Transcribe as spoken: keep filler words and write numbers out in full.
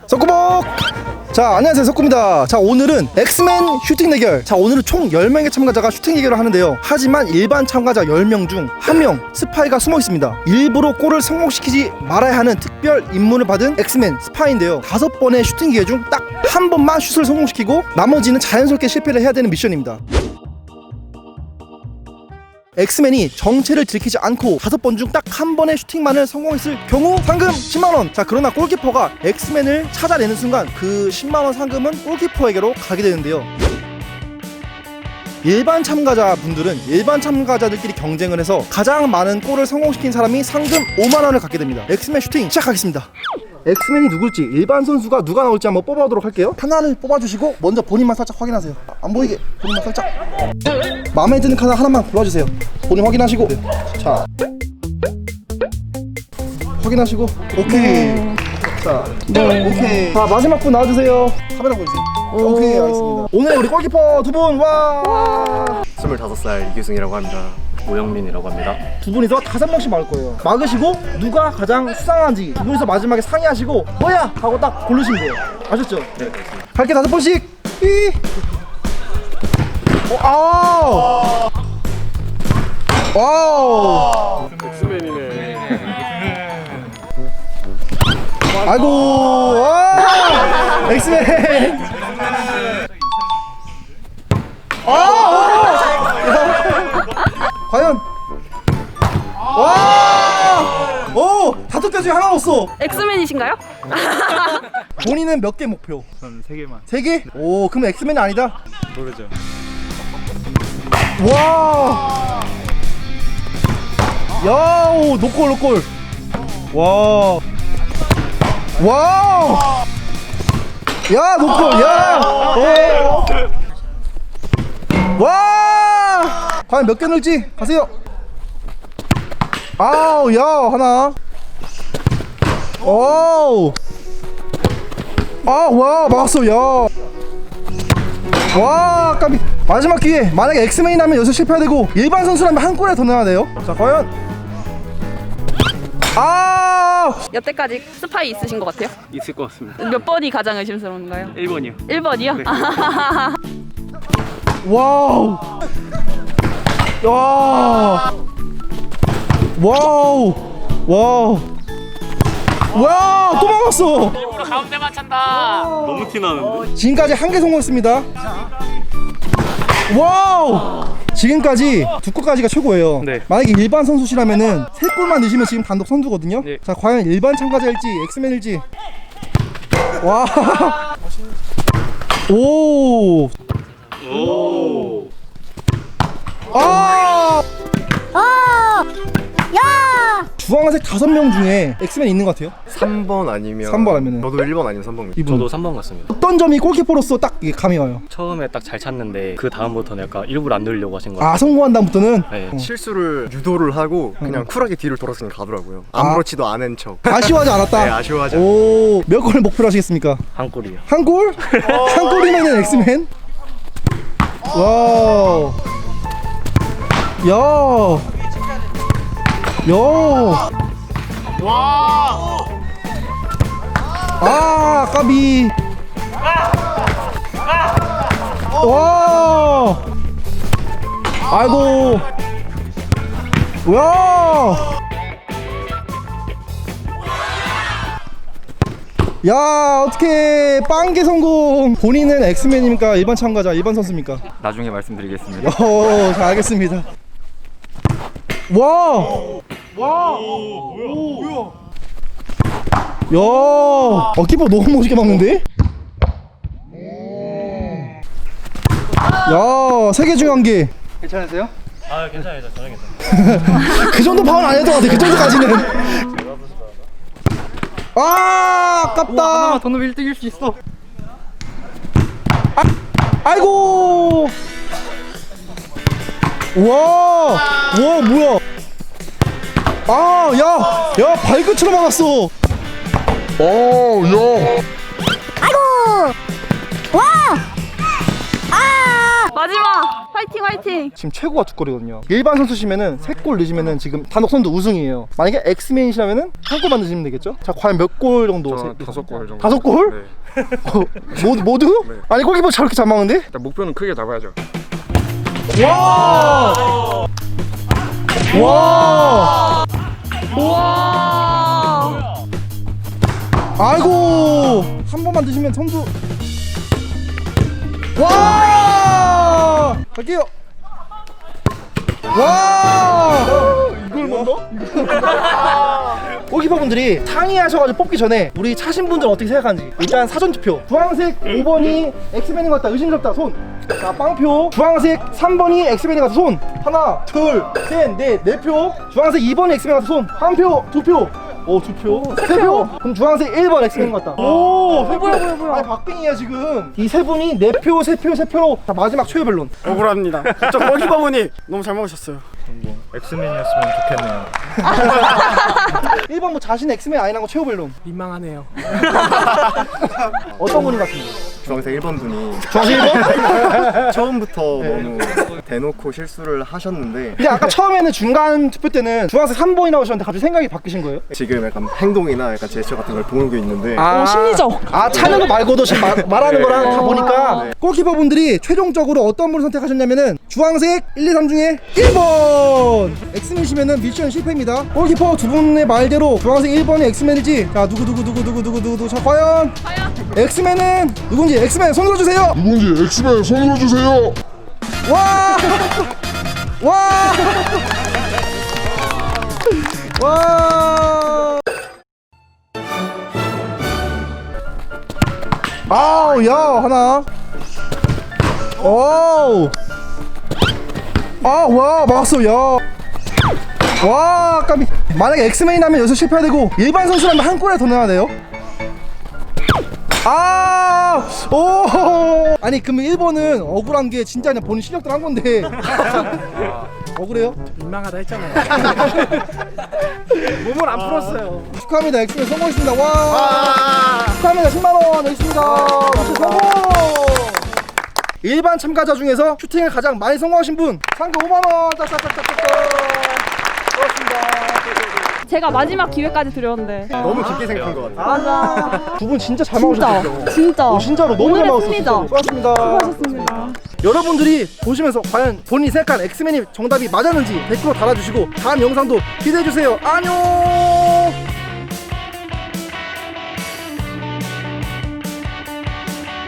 석구복! 자, 안녕하세요, 석구입니다. 자, 오늘은 엑스맨 슈팅 대결. 자, 오늘은 총 열 명의 참가자가 슈팅 대결을 하는데요. 하지만 일반 참가자 열 명 중 한 명 스파이가 숨어 있습니다. 일부러 골을 성공시키지 말아야 하는 특별 임무를 받은 엑스맨 스파이인데요. 다섯 번의 슈팅 기회 중 딱 한 번만 슛을 성공시키고 나머지는 자연스럽게 실패를 해야 되는 미션입니다. 엑스맨이 정체를 들키지 않고 다섯 번 중 딱 한 번의 슈팅만을 성공했을 경우 상금 십만 원. 자, 그러나 골키퍼가 엑스맨을 찾아내는 순간 그 십만 원 상금은 골키퍼에게로 가게 되는데요. 일반 참가자분들은 일반 참가자들끼리 경쟁을 해서 가장 많은 골을 성공시킨 사람이 상금 오만 원을 갖게 됩니다. 엑스맨 슈팅 시작하겠습니다. 엑스맨이 누굴지, 일반 선수가 누가 나올지 한번 뽑아보도록 할게요. 하나를 뽑아주시고 먼저 본인만 살짝 확인하세요. 안 보이게 본인만 살짝. 마음에 드는 카드 하나만 골라주세요. 본인 확인하시고. 자, 확인하시고. 오케이. 자, 네. 오케이. 자, 마지막 분 나와주세요. 카메라 보여주세요. 오케이, 알겠습니다. 오늘 우리 골키퍼 두 분, 와. 스물다섯 살 이규승이라고 합니다. 오영민이라고 합니다. 두 분이서 다섯 명씩 막을 거예요. 막으시고 누가 가장 수상한지 두 분이서 마지막에 상의하시고 뭐야! 하고 딱 고르시면 돼요. 아셨죠? 네, 그렇습니다. 갈게 다섯 번씩. 이. 오, 아우. 와우. 엑스맨이네. 아이고. 와. 엑스맨. 아. 과연. 와. 오. 다섯 개 중에 하나 없어. 엑스맨이신가요? 본인은 몇 개 목표? 저는 세 개만. 세 개? 오, 그럼 엑스맨이 아니다. 모르죠. 와. 야, 오, 노골 노골. 와. 와. 야, 노골. 야. 오. 와. 과연 몇 개 넣을지 가세요. 아우, 야, 하나. 오. 아, 와, 막았어. 야. 와, 깜비. 마지막 기회. 만약에 엑스맨이 나면 여기서 실패해야 되고 일반 선수라면 한 골에 더 넣어야 돼요. 자, 과연. 아. 여태까지 스파이 있으신 것 같아요? 있을 것 같습니다. 몇 번이 가장 의심스러운가요? 일 번이요. 일 번이요? 네. 와우. 야. 와우. 와우. 와, 또 막았어. 일부러 가운데만 찬다. 너무 티나는데. 지금까지 한 개 성공했습니다. 와우. 지금까지 두 골까지가 최고예요. 네. 만약에 일반 선수시라면은 세 골만 넣으시면 지금 단독 선두거든요. 네. 자, 과연 일반 참가자일지 엑스맨일지. 와. 오. 오. 아. 아! 야! 주황색 다섯 명 중에 엑스맨 있는 것 같아요. 삼 번 아니면 삼 번 아니면은 저도 일 번 아니면 삼 번입니다. 이분 저도 삼 번 같습니다. 어떤 점이 골키퍼로서 딱 이게 감이 와요? 처음에 딱 잘 찼는데 그 다음부터는 약간 일부러 안 누르려고 하신 거 같아요. 아, 성공한 다음부터는 네. 어. 실수를 유도를 하고 그냥 음. 쿨하게 뒤를 돌아서 그냥 가더라고요. 아. 아무렇지도 않은 척. 아쉬워하지 않았다. 네, 아쉬워하지 오, 몇 골을 목표로 하시겠습니까? 한 골이요. 한 골? 한 골이면은 엑스맨? 와우. 야. 야. 와. 아, 까비. 와. 아이고. 와. 야, 어떻게 빵개 성공. 본인은 엑스맨입니까? 일반 참가자, 일반 선수입니까? 나중에 말씀드리겠습니다. 어, 잘 알겠습니다. 와! 와! 뭐야? 야! 어, 키퍼 너무 멋있게 막는데? 야, 세 개 중에 한 개. 괜찮으세요? 아, 괜찮아요. 저는 괜찮아요. 그 정도 파울 아니었던 것 같아. 그 정도까지는. 아, 아깝다. 하나만 더 넣으면 일 등일 수 있어. 아, 아이고. 와, 와, 뭐야? 아, 야, 야, 발끝으로 막았어. 어, 야. 아이고! 와! 아! 마지막! 화이팅 화이팅! 지금 최고가 두 골이거든요. 일반 선수시면은 세 골 넣으시면은 지금 단독선두 우승이에요. 만약에 엑스맨이시라면은 한 골만 넣으시면 되겠죠? 자, 과연 몇 골 정도? 저 세- 다섯 골 정도. 다섯 골? 네. 어, 모두? 모두? 네. 아니 골키퍼 저렇게 잘 막는데? 일단 목표는 크게 잡아야죠. 와! 와! 우와! 아이고! 한 번만 드시면 선수. 와! 갈게요. 와! 이걸 먼저? 골키퍼분들이 상의하셔가지고 뽑기 전에 우리 차신 분들은 어떻게 생각하는지 일단 사전투표. 주황색 오 번이 엑스맨인 것 같다, 의심스럽다, 손. 자, 빵표. 주황색 삼 번이 엑스맨인 것 같다, 손. 하나, 둘, 셋, 넷, 네 표. 주황색 이 번이 엑스맨인 것 같다, 손. 한 표, 두 표. 오, 두 표. 세 표. 그럼 주황색 일 번 엑스맨인 것 같다. 오, 세 표. 뭐야, 뭐야. 아니, 박빙이야, 지금. 이 세 분이 네 표, 세 표, 세 표로. 자, 마지막 최후 변론. 억울합니다. 저 골키퍼분이 너무 잘 먹으셨어요. 엑스맨이었으면 좋겠네요. 일 번 뭐 자신의 엑스맨 아니라는 거 최후 변론. 민망하네요. 어떤 분인 것 같습니다. 주황색 일 번 분이 주황색 일 번? 처음부터 너무 대놓고 실수를 하셨는데 근데 아까 처음에는 중간 투표 때는 주황색 삼 번이라고 하셨는데 갑자기 생각이 바뀌신 거예요? 지금 약간 행동이나 약간 제스처 같은 걸 보고 있는데 아, 심리적. 아, 차는 거 말고도 지금 마, 말하는 네. 거랑 다 보니까 네. 골키퍼 분들이 최종적으로 어떤 분을 선택하셨냐면은 주황색 일, 이, 삼 중에 일 번 엑스맨이시면은 미션 실패입니다. 골키퍼 두 분의 말대로 주황색 일 번이 엑스맨이지. 자, 누구 누구 누구 누구 누구 누구 자, 과연 엑스맨은 누군지 엑스맨 손 들어주세요. 누군지 엑스맨 손 들어주세요. 와! 와! 와! 아우, 야, 하나. 오! 아, 와, 막았어, 야. 와, 깜이. 만약에 엑스맨이라면 여기서 실패해야 되고, 일반 선수라면 한 골에 더 넣어야 돼요. 아! 오! 아니, 그러면 일 번은 억울한 게 진짜 그냥 본인 실력대로 한 건데. 억울해요? 민망하다 했잖아요. 몸을 안 풀었어요. 축하합니다. 엑스맨 성공했습니다. 와! 축하합니다. 십만 원 여기 있습니다. 미션 성공! 일반 참가자 중에서 슈팅을 가장 많이 성공하신 분 상금 오만 원. 짝짝짝짝짝. 고맙습니다. 제가 마지막 기회까지 드렸는데. 너무 깊게 생각한 것 같아요. 맞아. 두 분 진짜 잘 진짜. 막으셨어요. 진짜. 오, 진짜로 너무 잘 오늘의 막으셨어요. 승리다. 수고하셨습니다. 수고하셨습니다. 여러분들이 보시면서 과연 본인이 생각한 엑스맨이 정답이 맞았는지 댓글로 달아주시고 다음 영상도 기대해주세요. 안녕.